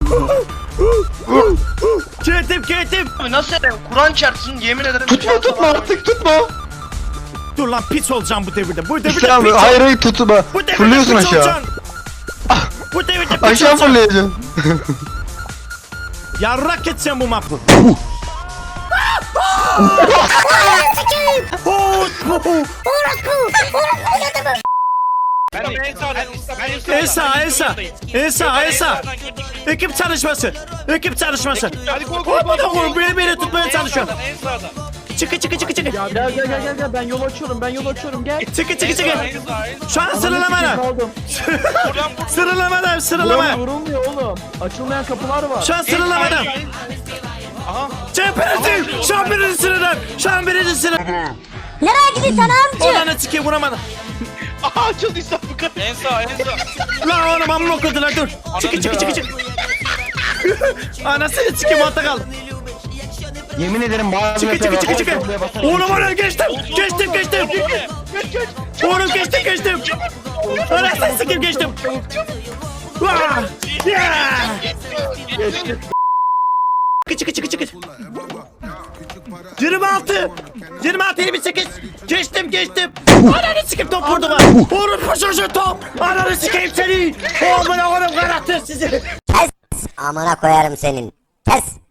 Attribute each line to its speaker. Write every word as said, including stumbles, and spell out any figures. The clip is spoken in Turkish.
Speaker 1: Geldim geldim.
Speaker 2: Abi nasıl edeyim? Kur'an çarpsın yemin ederim.
Speaker 3: Tutma tutma artık tutma.
Speaker 1: Dur lan pis olacağım bu devirde. Bu devirde
Speaker 3: İşte abi
Speaker 1: pis
Speaker 3: hayır hayır tutma.
Speaker 1: Bu devirde
Speaker 3: Fırlıyorsun
Speaker 1: pis
Speaker 3: aşağı.
Speaker 1: olacaksın. Bu devirde pis
Speaker 3: Aşağı
Speaker 1: olacaksın.
Speaker 3: fırlayacaksın.
Speaker 1: Yarrak geçeceğim bu mapı. Esa, Esa, Esa, Esa. Ekip çalışması. Ekip çalışması.
Speaker 4: Hadi koy koy koy.
Speaker 1: Oğlum beni beni tutmaya çalışıyor.
Speaker 4: En sağda.
Speaker 1: Çıkı çıkı çıkı çıkı.
Speaker 5: Gel gel gel gel gel ben yol açıyorum ben yol açıyorum gel.
Speaker 1: Çıkı çıkı çıkı.
Speaker 4: En sağ en sağ.
Speaker 1: Şu an sıralamada.
Speaker 5: Kaldım.
Speaker 4: Buradan vur.
Speaker 1: Sıralamada sıralama.
Speaker 5: Vurulmuyor oğlum. Açılmayan kapılar var.
Speaker 1: Şu an sıralamada.
Speaker 4: Aha.
Speaker 1: Cemper'in şu an birinci sıradan. Şu an birinci sıradan.
Speaker 6: Nereye gidiyorsun amca?
Speaker 1: Olanı çıkıyor vuramadım.
Speaker 4: Aha açıldı İsa bu kadar. En sağ en sağ.
Speaker 1: Lan oğlum amma okudular dur. Çıkı çıkı çıkı çıkı. Anasını çıkayım altta kal.
Speaker 3: Yemin ederim bazı
Speaker 1: Çıkı çıkı çıkı çıkı. Oğlum oğlum geçtim. Geçtim geçtim. Oğlum geçtim geçtim. Anasını çıkayım geçtim. Vaa! Yeah! Çıkı çıkı çıkı çıkı. yirmi altı. yirmi altı yirmi sekiz. Geçtim geçtim. Ananı sikeyim top vurdu bana. Oğlum paşaşı top. Ananı sikeyim seni. Oğlum oğlum karattı sizi.
Speaker 6: Amına koyarım senin. Kes.